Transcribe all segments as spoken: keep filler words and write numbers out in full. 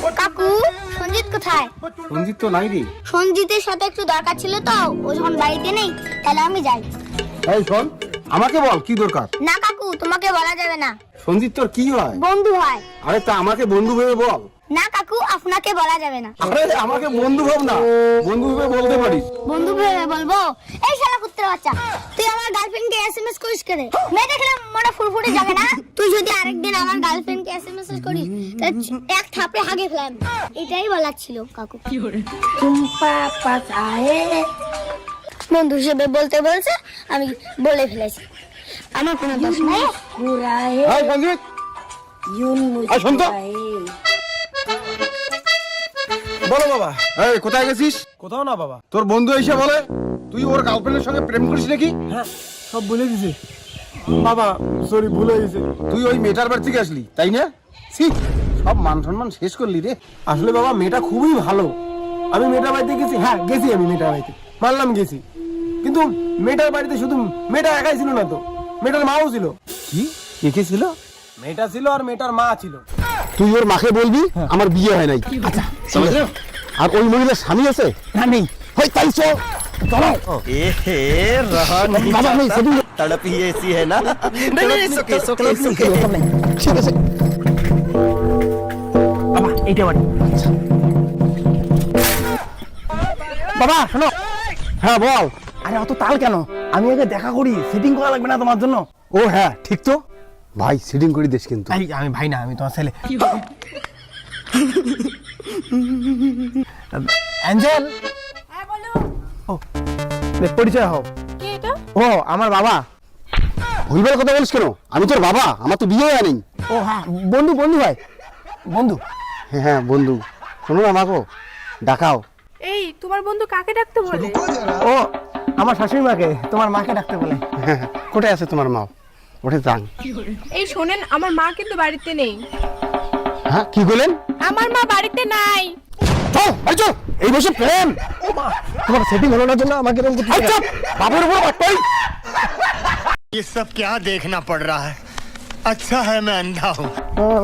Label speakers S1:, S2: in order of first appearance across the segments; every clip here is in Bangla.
S1: কাকু সঞ্জিত কোথায়?
S2: সঞ্জিত তো নাই রে।
S1: সঞ্জিতের সাথে একটু দরকার ছিল তো, ও যখন বাড়িতে নেই তাহলে আমি যাই।
S2: এই শোন, আমাকে বল কি দরকার।
S1: না কাকু, তোমাকে বলা যাবে না।
S2: সঞ্জিত তোর কি হয়?
S1: বন্ধু হয়।
S2: আরে তা আমাকে বন্ধু ভেবে বল।
S1: না কাকু, আপনাকে বলা যাবে না।
S2: আরে আমাকে বন্ধু ভাব না, বন্ধু ভেবে বলতে পারিস।
S1: বন্ধু ভেবে বলবো? এই শালা কুত্তের বাচ্চা, তুই আমার গার্লফ্রেন্ডকে এসএমএস করিস কেন? মেয়ে দেখলে মনে ফুরফুরে যাবে না? তুই যদি আরেকদিন আমার গার্লফ্রেন্ডকে এসএমএস করিস তাহলে এক থাপড়ে হাগে ফেলাম। এটাই বলার ছিল কাকু। তুম পাপা চাহে বন্ধু হিসেবে বলতে বলছে আমি বলে ফেলেছি, আমার কোনো দোষ নাই।
S2: এই সঞ্জিত, এই শোন তো। বলো বাবা। এই কোথায় গেছিস?
S3: কোথাও না বাবা।
S2: তোর বন্ধু এসে বলে তুই ওর গার্লফ্রেন্ডের সঙ্গে প্রেম করিস নাকি?
S3: হ্যাঁ, সব বলে দিছে বাবা। সরি, ভুল হয়ে গেছে।
S2: তুই ওই মেয়েটার বাড়ি থেকে আসলি তাই না? ছি, সব মান সম্মান শেষ করলি রে।
S3: আসলে বাবা মেয়েটা খুবই ভালো। আমি মেয়েটার বাড়িতে গেছি, হ্যাঁ গেছি, আমি মেয়েটার বাড়িতে মানলাম গেছি, কিন্তু মেয়েটার বাড়িতে শুধু মেয়েটা একাই ছিল না তো, মেয়েটার মাও ছিল।
S2: কি কে কে ছিল?
S3: মেয়েটা ছিল আর মেয়েটার মা ছিল।
S2: তুই ওর মাকে বলবি আমার বিয়ে হয় নাই। আচ্ছা, আর ওই মহিলার স্বামী আছে
S3: না? নেই।
S2: হয় তাই চল চলো।
S4: ए रहा नहीं
S2: बाबा, नहीं, सभी
S4: तड़प ही ऐसी है ना। नहीं नहीं सुके सुके सुके
S2: ঠিক আছে
S3: বাবা এইটা বাড়ি। বাবা শোনো।
S2: হ্যাঁ বল।
S3: আরে অত তাল কেন? আমি আগে দেখা করি, সেটিং করা লাগবে না তোমার জন্য?
S2: ও হ্যাঁ ঠিক তো ভাই, সিটিং করে দিস কিন্তু।
S3: এই আমি ভাই না, আমি তোমার ছেলে। অ্যাঞ্জেল,
S1: হ্যাঁ বলো।
S3: ও দেখ, পরিচয় হও।
S1: কে এটা?
S3: ও আমার বাবা।
S2: ভুলবার কথা বলিস কেন? আমি তোর বাবা, আমার তো বিয়ে হয় নাই।
S3: ও হ্যাঁ, বন্ধু বন্ধু ভাই, বন্ধু।
S2: হ্যাঁ হ্যাঁ বন্ধু, শোনো না আমাকে ডাকাও।
S5: এই তোমার বন্ধু কাকে ডাকতে বলে?
S3: ও আমার শাশুড়ি মাকে, তোমার মাকে ডাকতে বলে।
S2: হ্যাঁ হ্যাঁ, কোথায় আছে তোমার মা? ওঠে যান।
S5: এই শোনেন, আমার মা কিন্তু বাড়িতে নেই।
S2: হ্যাঁ কি বলেন?
S5: আমার মা বাড়িতে নাই।
S2: চল এই চল, এই বসে প্রেম।
S3: ও মা, তোমার সেটিং হলো না জন্য আমাকে এরকম করতে
S2: আচ্ছা বাবুর উপর বাট্টাই।
S4: ये सब क्या देखना पड़ रहा है। अच्छा है मैं अंधा हूँ।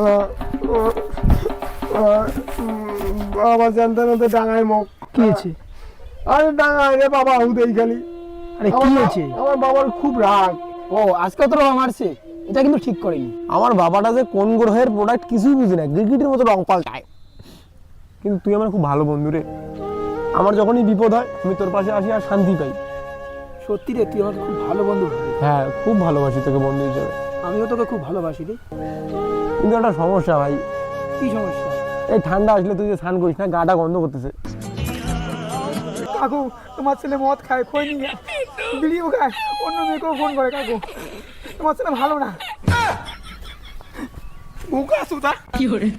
S3: বাবা জানতে না তো ডাঙায় মুখ। কি হয়েছে? আরে ডাঙায় রে বাবা, হুদেই খালি। আরে কি হয়েছে? আমার বাবার খুব রাগ। ও আজকে তো রং মারছে, এটা কিন্তু ঠিক করেনি। আমার বাবাটা যে কোন গ্রহের প্রোডাক্ট কিছুই বুঝি না, গিরগিটির মতো রং পাল্টায়। কিন্তু তুই আমার খুব ভালো বন্ধু রে। আমার যখনই বিপদ হয় আমি তোর পাশে আসি আর শান্তি পাই।
S6: সত্যি রে, তুই আমার খুব ভালো বন্ধু ভাই।
S3: হ্যাঁ, খুব ভালোবাসি তোকে বন্ধু হিসেবে।
S6: আমিও তোকে খুব ভালোবাসি রে।
S3: কিন্তু একটা সমস্যা ভাই।
S6: কি সমস্যা?
S3: এই ঠান্ডা আসলে তুই যে স্নান করিস না, গাটা গন্ধ করতেছে।
S6: কাকু, তোমার ছেলে মদ খায়, খই নিয়ে বিড়িও খায়, অন্য মেয়েকেও ফোন করে। কাকু, তোমার ছেলে ভালো না। মুখা সুতা কি করে?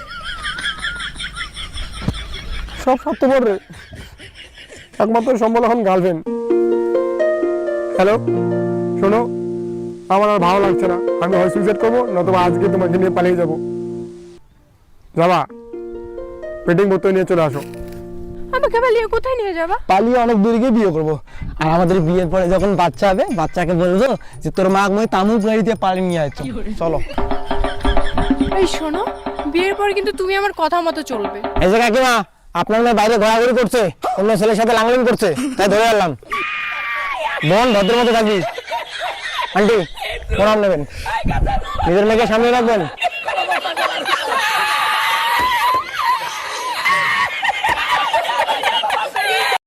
S3: সব স্বার্থপর রে, একমাত্র সম্বল এখন গার্লফ্রেন্ড। হ্যালো শোনো, আমার আর ভালো লাগছে না, আমি হয় সুইসাইড করবো, নতুবা আজকে তোমাকে নিয়ে পালিয়ে যাবো। যাবা পেটিং বোতল নিয়ে চলে আসো।
S5: আমাকে পালিয়ে কোথায় নিয়ে যাবা?
S3: পালিয়ে অনেক দূরে গিয়ে বিয়ে করবো, আর আমাদের বিয়ের পরে যখন বাচ্চা হবে, বাচ্চাকে বলবো যে তোর মা মই তামুক গাড়িতে পালিয়ে নিয়ে আসছো। চলো।
S5: এই শোনো, বিয়ের পর কিন্তু তুমি আমার কথা মতো চলবে।
S3: এই যে কাকিমা, আপনার মেয়ে বাইরে ঘোরাঘুরি করছে, অন্য ছেলের সাথে লাংলিং করছে, তাই ধরে আনলাম। বোন ভদ্র মতো থাকিস। আন্টি প্রণাম নেবেন, নিজের মেয়েকে সামনে রাখবেন।